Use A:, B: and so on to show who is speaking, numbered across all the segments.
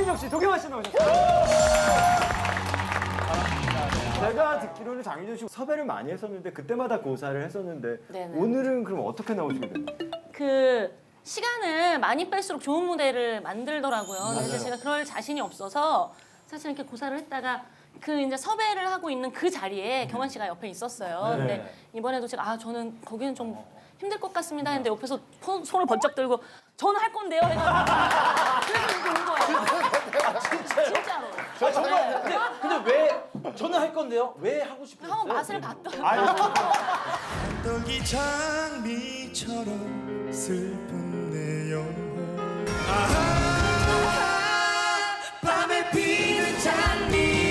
A: 장윤정 씨, 도겸아 씨 나오셨어요. 제가 듣기로는 장윤정 씨 섭외를 많이 했었는데 그때마다 고사를 했었는데
B: 네네.
A: 오늘은 그럼 어떻게 나오시게 됐나요?
B: 그 시간을 많이 뺄수록 좋은 무대를 만들더라고요. 근데 제가 그럴 자신이 없어서 사실 이렇게 고사를 했다가 그 이제 섭외를 하고 있는 그 자리에 경환 씨가 옆에 있었어요.
A: 네.
B: 근데 이번에도 제가 저는 거기는 좀 힘들 것 같습니다 했는데 옆에서 손을 번쩍 들고 저는 할 건데요 해가지고 그래서 이렇게 온 거예요. 진짜로.
C: 정말 근데 왜 저는 할 건데요? 왜 하고 싶으셨어요?
B: 한번 맛을 봤더라고요.
D: 떡이 장미처럼 슬픈 내 영혼 아하 밤에 피는 장미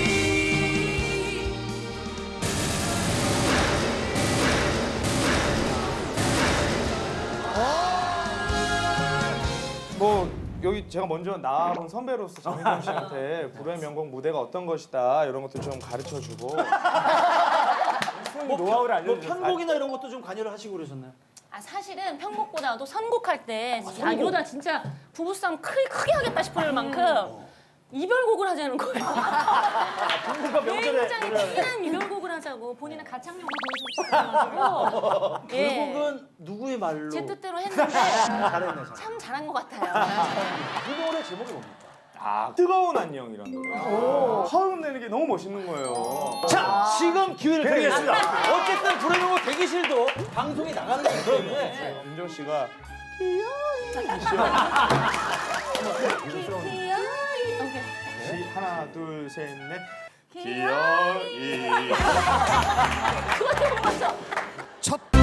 E: 뭐 여기 제가 먼저 나와본 선배로서 장윤정 씨한테 불후의 명곡 무대가 어떤 것이다 이런 것도 좀 가르쳐주고
A: 노하우를
C: 뭐
A: 알려주셨어요.
C: 편곡이나 이런 것도 좀 관여를 하시고 그러셨나요?
B: 사실은 편곡보다도 선곡할 때 이러다 진짜 부부싸움 크게 하겠다 싶을 만큼 이별곡을 하자는 거예요.
C: 부부가 명절에
B: 굉장히 티난 이별곡을 하자고 본인의 가창력을 보여주고 싶어가지고
C: 결국은 누구의 말로
B: 제 뜻대로 했는데
C: 잘했네.
B: 참 잘한 것 같아요.
C: 이 노래 제목이 뭡니까?
E: 뜨거운 안녕이라는 노래 화음 내는 게 너무 멋있는 거예요.
C: 자, 지금 기회를
A: 네.
C: 드리겠습니다. 어쨌든 불후의 명곡 대기실도 방송이 나가는 거기 때문에
E: 윤정 씨가 하나 둘 셋 넷
B: 기어이.
E: 기어이
B: 그것도 못 맞춰.
D: 첫